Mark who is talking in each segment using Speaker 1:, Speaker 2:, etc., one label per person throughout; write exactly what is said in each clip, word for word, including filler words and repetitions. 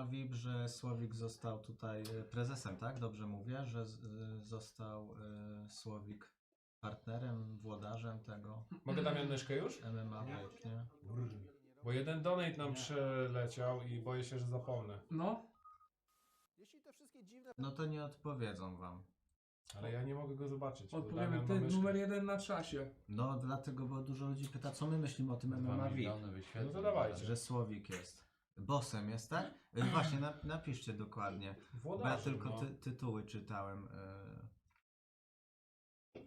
Speaker 1: V I P, że Słowik został tutaj e, prezesem, tak? Dobrze mówię, że z, e, został e, Słowik partnerem, włodarzem tego
Speaker 2: Mogę Damian myszkę już?
Speaker 1: M M A V I P, nie?
Speaker 2: Bo jeden donate nam przeleciał i boję się, że zapomnę.
Speaker 3: No,
Speaker 1: No to nie odpowiedzą wam.
Speaker 2: Ale ja nie mogę go zobaczyć. bo
Speaker 3: odpowiemy,
Speaker 2: Damian ma
Speaker 3: ty
Speaker 2: myszkę.
Speaker 3: numer jeden na czasie.
Speaker 1: No dlatego, bo dużo ludzi pyta, co my myślimy o tym M M A
Speaker 4: Dwa
Speaker 1: V I P.
Speaker 4: miliony wyświetleń.
Speaker 2: No to dawajcie.
Speaker 1: Że Słowik jest. Bossem jest, tak? E, Właśnie, na, napiszcie dokładnie. Bo ja
Speaker 2: Włodarzem,
Speaker 1: tylko
Speaker 2: no.
Speaker 1: ty, tytuły czytałem. e,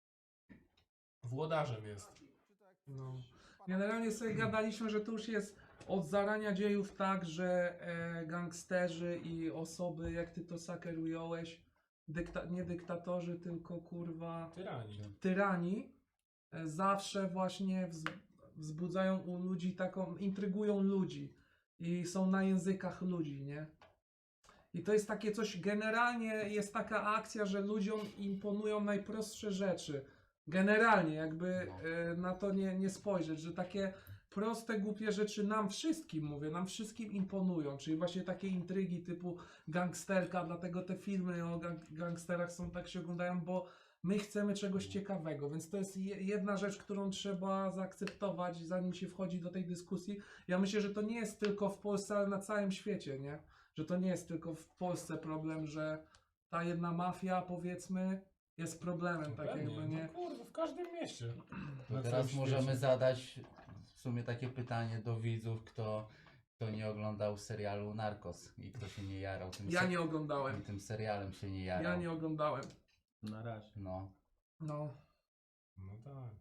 Speaker 2: Włodarzem jest.
Speaker 3: No. Generalnie sobie gadaliśmy, że to już jest od zarania dziejów tak, że e, gangsterzy i osoby, jak ty to Saker ująłeś, dykta nie dyktatorzy, tylko kurwa
Speaker 2: Tyrani.
Speaker 3: tyrani, e, zawsze właśnie wz wzbudzają u ludzi taką, intrygują ludzi i są na językach ludzi, nie? I to jest takie coś, generalnie jest taka akcja, że ludziom imponują najprostsze rzeczy. Generalnie, jakby
Speaker 4: No.
Speaker 3: e, na to nie, nie spojrzeć, że takie proste, głupie rzeczy nam wszystkim, mówię, nam wszystkim imponują. Czyli właśnie takie intrygi typu gangsterka, dlatego te filmy o gang gangsterach są tak się oglądają, bo my chcemy czegoś ciekawego, więc to jest je- jedna rzecz, którą trzeba zaakceptować, zanim się wchodzi do tej dyskusji. Ja myślę, że to nie jest tylko w Polsce, ale na całym świecie, nie? Że to nie jest tylko w Polsce problem, że ta jedna mafia, powiedzmy, jest problemem, tak
Speaker 2: Pewnie.
Speaker 3: jakby, nie?
Speaker 2: No kurwa, w każdym mieście.
Speaker 4: To
Speaker 2: Na
Speaker 4: teraz
Speaker 2: całym
Speaker 4: możemy
Speaker 2: świecie.
Speaker 4: zadać w sumie takie pytanie do widzów, kto, kto nie oglądał serialu Narcos i kto się nie jarał tym,
Speaker 3: Ja
Speaker 4: se-
Speaker 3: nie oglądałem.
Speaker 4: tym serialem się nie jarał.
Speaker 3: Ja nie oglądałem.
Speaker 1: Na razie.
Speaker 4: No.
Speaker 3: No.
Speaker 2: No tak.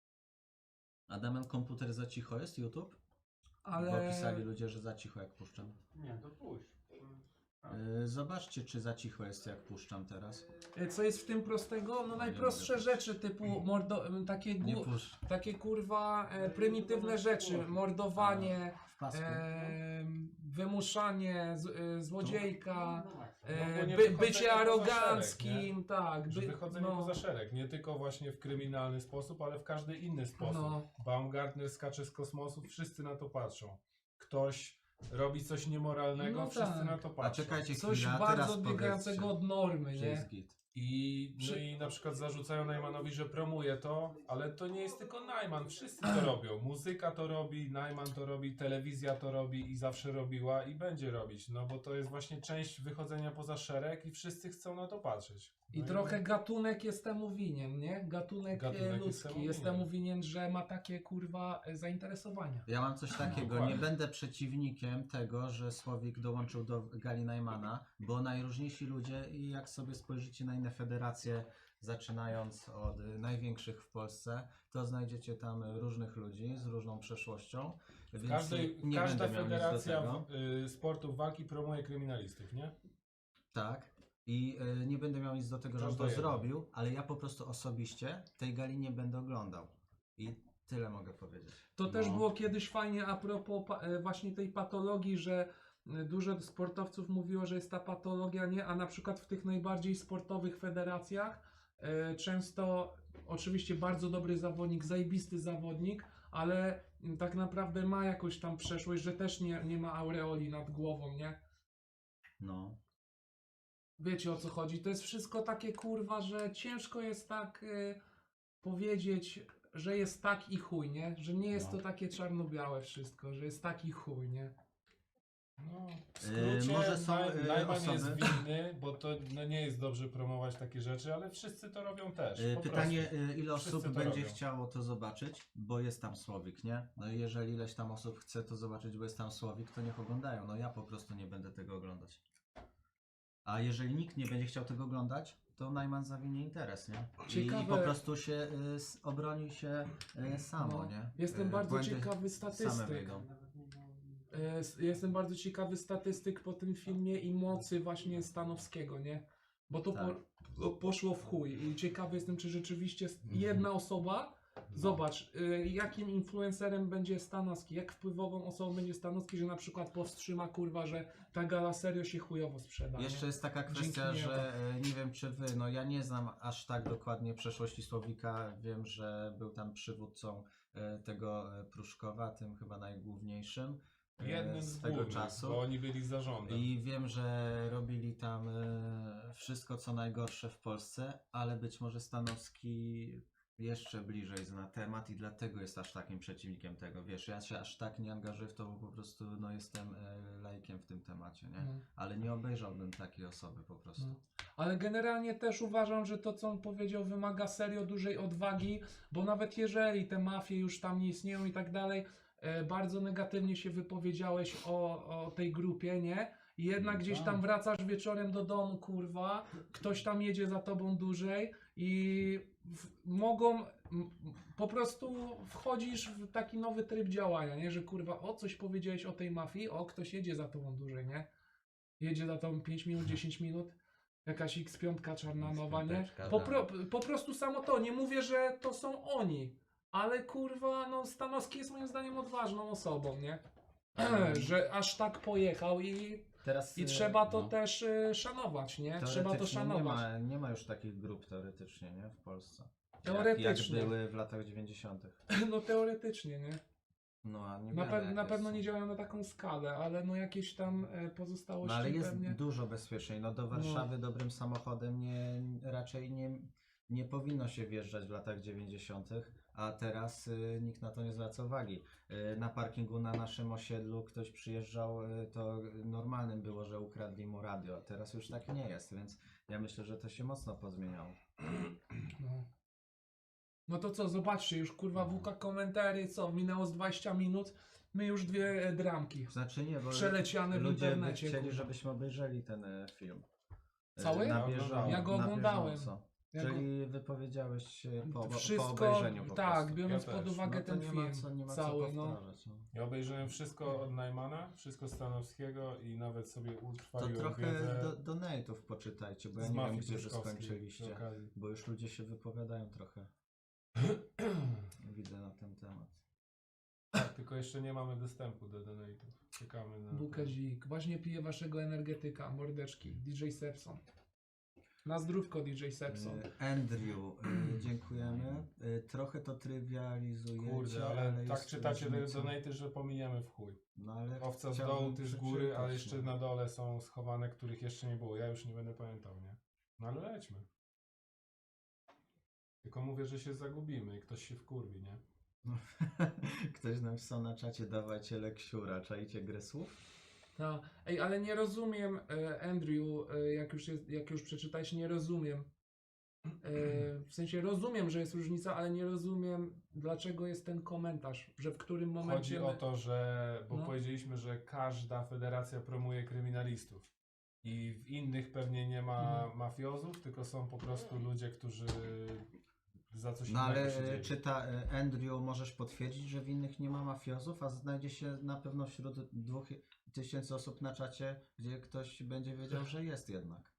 Speaker 1: A Damian, komputer za cicho jest, YouTube?
Speaker 3: Ale...
Speaker 1: Bo pisali ludzie, że za cicho jak puszczam.
Speaker 5: Nie, to puść.
Speaker 1: Yy, zobaczcie, czy za cicho jest jak puszczam teraz.
Speaker 3: E, Co jest w tym prostego? No najprostsze
Speaker 1: mogę.
Speaker 3: rzeczy typu mordo... takie,
Speaker 1: Nie
Speaker 3: gł-
Speaker 1: pusz.
Speaker 3: takie kurwa e, prymitywne rzeczy. Mordowanie,
Speaker 1: W pasku.
Speaker 3: e, wymuszanie, z, e, złodziejka,
Speaker 2: No,
Speaker 3: e,
Speaker 2: bo nie
Speaker 3: by,
Speaker 2: wychodzenie
Speaker 3: bycie
Speaker 2: poza
Speaker 3: aroganckim, tak.
Speaker 2: Że
Speaker 3: By,
Speaker 2: wychodzenie
Speaker 3: no,
Speaker 2: poza szereg. Nie tylko właśnie w kryminalny sposób, ale w każdy inny sposób.
Speaker 3: No.
Speaker 2: Baumgartner skacze z kosmosu, wszyscy na to patrzą. Ktoś robi coś niemoralnego,
Speaker 3: No
Speaker 2: wszyscy
Speaker 3: tak.
Speaker 2: na to
Speaker 1: A
Speaker 2: patrzą.
Speaker 1: czekajcie
Speaker 3: coś
Speaker 1: chwilę, a
Speaker 3: bardzo
Speaker 1: teraz
Speaker 3: odbiegającego
Speaker 1: powiedzcie,
Speaker 3: od normy,
Speaker 1: że
Speaker 3: nie?
Speaker 1: jest git.
Speaker 2: I, no
Speaker 3: Przy-
Speaker 2: i na przykład zarzucają Najmanowi, że promuje to, ale to nie jest tylko Najman, wszyscy to robią. Muzyka to robi, Najman to robi, telewizja to robi i zawsze robiła i będzie robić, no bo to jest właśnie część wychodzenia poza szereg i wszyscy chcą na to patrzeć.
Speaker 3: I
Speaker 2: No
Speaker 3: trochę gatunek jest temu winien, nie? Gatunek,
Speaker 2: Gatunek
Speaker 3: e,
Speaker 2: jest
Speaker 3: ludzki
Speaker 2: temu
Speaker 3: jest
Speaker 2: winien.
Speaker 3: temu winien, że ma takie kurwa e, zainteresowania.
Speaker 1: Ja mam coś takiego, nie
Speaker 2: Dokładnie.
Speaker 1: będę przeciwnikiem tego, że Słowik dołączył do Gali Najmana, bo najróżniejsi ludzie i jak sobie spojrzycie na inne federacje, zaczynając od y, największych w Polsce, to znajdziecie tam różnych ludzi z różną przeszłością, więc
Speaker 2: Każdej,
Speaker 1: nie
Speaker 2: każda
Speaker 1: będę miał nic do
Speaker 2: federacja
Speaker 1: tego.
Speaker 2: w, y, sportów walki promuje kryminalistów, nie?
Speaker 1: Tak. I y, nie będę miał nic do tego, że on
Speaker 2: Każda
Speaker 1: to
Speaker 2: jedna.
Speaker 1: zrobił, ale ja po prostu osobiście tej gali nie będę oglądał. I tyle mogę powiedzieć.
Speaker 3: To
Speaker 4: No.
Speaker 3: też było kiedyś fajnie a propos pa, e, właśnie tej patologii, że e, dużo sportowców mówiło, że jest ta patologia, nie? A na przykład w tych najbardziej sportowych federacjach e, często, oczywiście bardzo dobry zawodnik, zajebisty zawodnik, ale m, tak naprawdę ma jakąś tam przeszłość, że też nie, nie ma aureoli nad głową, nie?
Speaker 1: No.
Speaker 3: Wiecie o co chodzi? To jest wszystko takie kurwa, że ciężko jest tak y, powiedzieć, że jest tak i chuj, nie? Że nie jest
Speaker 4: No.
Speaker 3: to takie czarno-białe wszystko, że jest taki chuj, nie?
Speaker 2: No, w
Speaker 1: Yy,
Speaker 2: skrócie
Speaker 1: może są,
Speaker 2: Naj-
Speaker 1: yy,
Speaker 2: Najman
Speaker 1: osoby-
Speaker 2: jest winny, bo to no, nie jest dobrze promować takie rzeczy, ale wszyscy to robią też.
Speaker 1: Y,
Speaker 2: po
Speaker 1: Pytanie,
Speaker 2: prostu.
Speaker 1: y, ile
Speaker 2: Wszyscy
Speaker 1: osób
Speaker 2: to
Speaker 1: będzie
Speaker 2: robią.
Speaker 1: chciało to zobaczyć, bo jest tam Słowik, nie? No i jeżeli ileś tam osób chce to zobaczyć, bo jest tam Słowik, to niech oglądają. No ja po prostu nie będę tego oglądać. A jeżeli nikt nie będzie chciał tego oglądać, to Najman zawinie interes, nie? I,
Speaker 3: Ciekawe-
Speaker 1: i po prostu się y, s- obroni się y, samo,
Speaker 3: No.
Speaker 1: nie?
Speaker 3: Jestem
Speaker 1: Y,
Speaker 3: bardzo
Speaker 1: błędy
Speaker 3: ciekawy
Speaker 1: Same
Speaker 3: statystyk.
Speaker 1: wyjdą.
Speaker 3: E, s- Jestem bardzo ciekawy statystyk po tym filmie i mocy właśnie Stanowskiego, nie? Bo to
Speaker 1: Tak.
Speaker 3: po, poszło w chuj i ciekawy jestem, czy rzeczywiście s-
Speaker 4: Mhm.
Speaker 3: jedna osoba.
Speaker 2: No.
Speaker 3: Zobacz, y, jakim influencerem będzie Stanowski, jak wpływową osobą będzie Stanowski, że na przykład powstrzyma kurwa, że ta gala serio się chujowo sprzeda.
Speaker 1: Jeszcze
Speaker 3: nie?
Speaker 1: jest taka
Speaker 3: Dzięki
Speaker 1: kwestia,
Speaker 3: niemu.
Speaker 1: że e, nie wiem czy wy, no ja nie znam aż tak dokładnie przeszłości Słowika. Wiem, że był tam przywódcą e, tego e, Pruszkowa, tym chyba najgłówniejszym. e,
Speaker 2: Jednym z
Speaker 1: swego
Speaker 2: głównych,
Speaker 1: czasu.
Speaker 2: bo oni byli zarządem.
Speaker 1: I wiem, że robili tam e, wszystko co najgorsze w Polsce, ale być może Stanowski jeszcze bliżej zna temat i dlatego jest aż takim przeciwnikiem tego. Wiesz, ja się aż tak nie angażuję w to, bo po prostu no, jestem e, laikiem w tym temacie, nie?
Speaker 3: No.
Speaker 1: Ale nie obejrzałbym takiej osoby po prostu.
Speaker 3: No. Ale generalnie też uważam, że to, co on powiedział, wymaga serio dużej odwagi, bo nawet jeżeli te mafie już tam nie istnieją i tak dalej, e, bardzo negatywnie się wypowiedziałeś o, o tej grupie, nie? I jednak
Speaker 4: No
Speaker 3: gdzieś
Speaker 4: tak.
Speaker 3: tam wracasz wieczorem do domu, kurwa, ktoś tam jedzie za tobą dłużej i w, mogą, m, po prostu wchodzisz w taki nowy tryb działania, nie? Że kurwa, o coś powiedziałeś o tej mafii, o ktoś jedzie za tobą dłużej, nie? Jedzie za tobą pięć minut, dziesięć minut. Jakaś X pięć czarna nowa, nie?
Speaker 4: Piąteczka,
Speaker 3: Po,
Speaker 4: tak.
Speaker 3: pro, po prostu samo to. Nie mówię, że to są oni. Ale kurwa, no Stanowski jest moim zdaniem odważną osobą, nie? Że aż tak pojechał i,
Speaker 1: Teraz
Speaker 3: i
Speaker 1: e,
Speaker 3: trzeba to
Speaker 4: no.
Speaker 3: też y, szanować, nie? Trzeba to
Speaker 1: teoretycznie nie
Speaker 3: szanować.
Speaker 1: ma, nie ma już takich grup teoretycznie, nie? W Polsce.
Speaker 3: Teoretycznie.
Speaker 1: Jak, jak były w latach dziewięćdziesiątych.
Speaker 3: No teoretycznie, nie?
Speaker 1: No, a nie
Speaker 3: Na,
Speaker 1: wiadomo,
Speaker 3: pe- na
Speaker 1: jakie
Speaker 3: pewno
Speaker 1: są.
Speaker 3: nie działają na taką skalę, ale no jakieś tam e, pozostałości
Speaker 1: No ale jest
Speaker 3: pewnie.
Speaker 1: dużo bezpieczniej. No do Warszawy dobrym samochodem nie, raczej nie, nie powinno się wjeżdżać w latach dziewięćdziesiątych, a teraz y, nikt na to nie zwraca uwagi. Y, na parkingu na naszym osiedlu ktoś przyjeżdżał, y, to normalnym było, że ukradli mu radio, a teraz już tak nie jest, więc ja myślę, że to się mocno pozmieniało.
Speaker 3: No. No to co, zobaczcie, już kurwa W K komentary, co, minęło z dwadzieścia minut, my już dwie e, dramki.
Speaker 1: Znaczy nie, bo
Speaker 3: Przeleciane w
Speaker 1: ludzie by
Speaker 3: internecie,
Speaker 1: chcieli,
Speaker 3: kurwa.
Speaker 1: żebyśmy obejrzeli ten e, film. E,
Speaker 3: Cały?
Speaker 1: Na
Speaker 2: Ja
Speaker 1: bieżąco.
Speaker 2: oglądałem.
Speaker 3: Ja go
Speaker 1: na
Speaker 3: oglądałem.
Speaker 1: bieżąco.
Speaker 3: Ja go-
Speaker 1: Czyli wypowiedziałeś się po, po
Speaker 3: Wszystko,
Speaker 1: obejrzeniu po
Speaker 3: tak,
Speaker 1: prostu.
Speaker 3: biorąc
Speaker 2: Ja
Speaker 3: pod
Speaker 2: też.
Speaker 3: uwagę
Speaker 1: No to
Speaker 3: ten
Speaker 1: nie
Speaker 3: film
Speaker 1: ma co, nie ma
Speaker 3: cały,
Speaker 1: co
Speaker 3: no.
Speaker 1: powtarzać. No.
Speaker 2: Ja obejrzałem wszystko od Najmana, wszystko Stanowskiego i nawet sobie
Speaker 1: To
Speaker 2: utrwaliłem
Speaker 1: trochę
Speaker 2: wiedzę
Speaker 1: do, donate'ów poczytajcie, bo ja
Speaker 2: z
Speaker 1: nie wiem,
Speaker 2: mafii
Speaker 1: gdzie wy
Speaker 2: pruszkowskiej przy
Speaker 1: skończyliście,
Speaker 2: okazji.
Speaker 1: bo już ludzie się wypowiadają trochę. Widzę na ten temat.
Speaker 2: Tak, tylko jeszcze nie mamy dostępu do donate'ów. Czekamy na...
Speaker 3: Bukazik, właśnie piję waszego energetyka, mordeczki, D J Sepson. Na zdrówko D J Sepson.
Speaker 1: E, Andrew, e, dziękujemy. E, Trochę to trywializujecie,
Speaker 2: Kurde, ale, tak
Speaker 1: jest
Speaker 2: czytacie te
Speaker 1: różnica.
Speaker 2: donate'y, że pominiemy w chuj.
Speaker 1: No, ale
Speaker 2: Owca z
Speaker 1: chciałbym
Speaker 2: dołu, ty z góry,
Speaker 1: przeczytać,
Speaker 2: ale jeszcze
Speaker 1: no.
Speaker 2: na dole są schowane, których jeszcze nie było. Ja już nie będę pamiętał, nie? No ale lećmy. Tylko mówię, że się zagubimy i ktoś się wkurwi, nie?
Speaker 1: No. Ktoś napisał na czacie, dawajcie leksiura, czajcie grę słów?
Speaker 3: No. Ej, ale nie rozumiem, e, Andrew, e, jak, już jest, jak już przeczytałeś, nie rozumiem. E, w sensie rozumiem, że jest różnica, ale nie rozumiem, dlaczego jest ten komentarz, że w którym momencie...
Speaker 2: Chodzi o
Speaker 3: my-
Speaker 2: to, że... Bo
Speaker 3: No.
Speaker 2: powiedzieliśmy, że każda federacja promuje kryminalistów. I w innych pewnie nie ma
Speaker 3: Mhm.
Speaker 2: mafiozów, tylko są po prostu ludzie, którzy za coś
Speaker 1: No
Speaker 2: innego
Speaker 1: ale
Speaker 2: siedzieli.
Speaker 1: czy ta e, Andrew możesz potwierdzić, że w innych nie ma mafiozów, a znajdzie się na pewno wśród dwóch tysięcy osób na czacie, gdzie ktoś będzie wiedział, że jest jednak.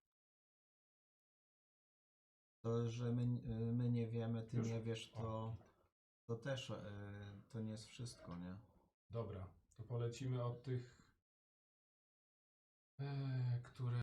Speaker 1: To, że my, e, my nie wiemy, ty
Speaker 2: Już?
Speaker 1: nie wiesz, to, to też e, to nie jest wszystko, nie?
Speaker 2: Dobra, to polecimy od tych, e, które